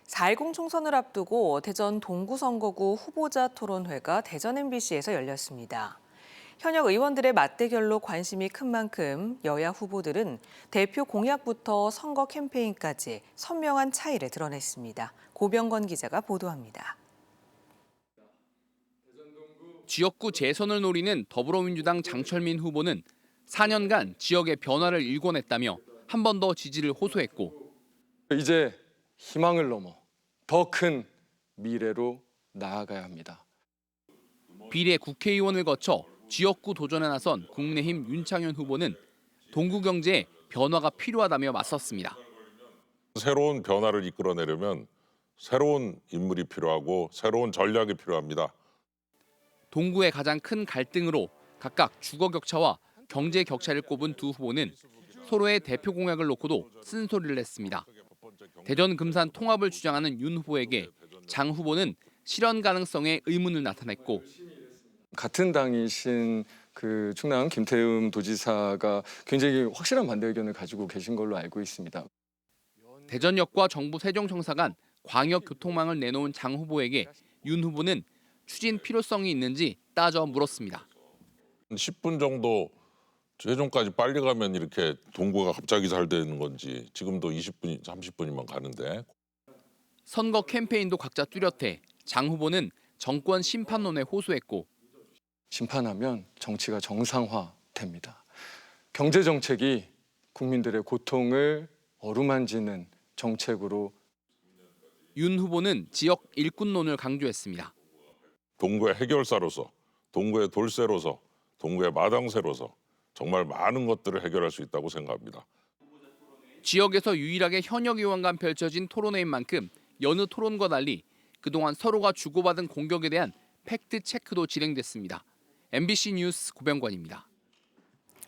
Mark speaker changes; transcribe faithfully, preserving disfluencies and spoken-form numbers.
Speaker 1: 사 일공 총선을 앞두고 대전 동구선거구 후보자 토론회가 대전 엠비씨에서 열렸습니다. 현역 의원들의 맞대결로 관심이 큰 만큼 여야 후보들은 대표 공약부터 선거 캠페인까지 선명한 차이를 드러냈습니다. 고병건 기자가 보도합니다.
Speaker 2: 지역구 재선을 노리는 더불어민주당 장철민 후보는 사 년간 지역의 변화를 일궈냈다며 한 번 더 지지를 호소했고
Speaker 3: 이제 희망을 넘어 더 큰 미래로 나아가야 합니다.
Speaker 2: 비례 국회의원을 거쳐 지역구 도전에 나선 국민의힘 윤창현 후보는 동구 경제에 변화가 필요하다며 맞섰습니다.
Speaker 4: 새로운 변화를 이끌어내려면 새로운 인물이 필요하고 새로운 전략이 필요합니다.
Speaker 2: 동구의 가장 큰 갈등으로 각각 주거 격차와 경제 격차를 꼽은 두 후보는 서로의 대표 공약을 놓고도 쓴소리를 냈습니다. 대전 금산 통합을 주장하는 윤 후보에게 장 후보는 실현 가능성에 의문을 나타냈고
Speaker 3: 같은 당이신 그 충남 김태흠 도지사가 굉장히 확실한 반대 의견을 가지고 계신 걸로 알고 있습니다.
Speaker 2: 대전역과 정부 세종청사 간 광역 교통망을 내놓은 장 후보에게 윤 후보는 추진 필요성이 있는지 따져 물었습니다.
Speaker 4: 십 분 정도 최종까지 빨리 가면 이렇게 동구가 갑자기 잘 되는 건지 지금도 이십 분, 삼십 분이면 가는데.
Speaker 2: 선거 캠페인도 각자 뚜렷해 장 후보는 정권 심판론에 호소했고
Speaker 3: 심판하면 정치가 정상화됩니다. 경제 정책이 국민들의 고통을 어루만지는 정책으로
Speaker 2: 윤 후보는 지역 일꾼론을 강조했습니다.
Speaker 4: 동구의 해결사로서, 동구의 돌쇠로서, 동구의 마당쇠로서 정말 많은 것들을 해결할 수 있다고 생각합니다.
Speaker 2: 지역에서 유일하게 현역 의원 간 펼쳐진 토론회인 만큼 여느 토론과 달리 그동안 서로가 주고받은 공격에 대한 팩트 체크도 진행됐습니다. 엠비씨 뉴스 고병관입니다.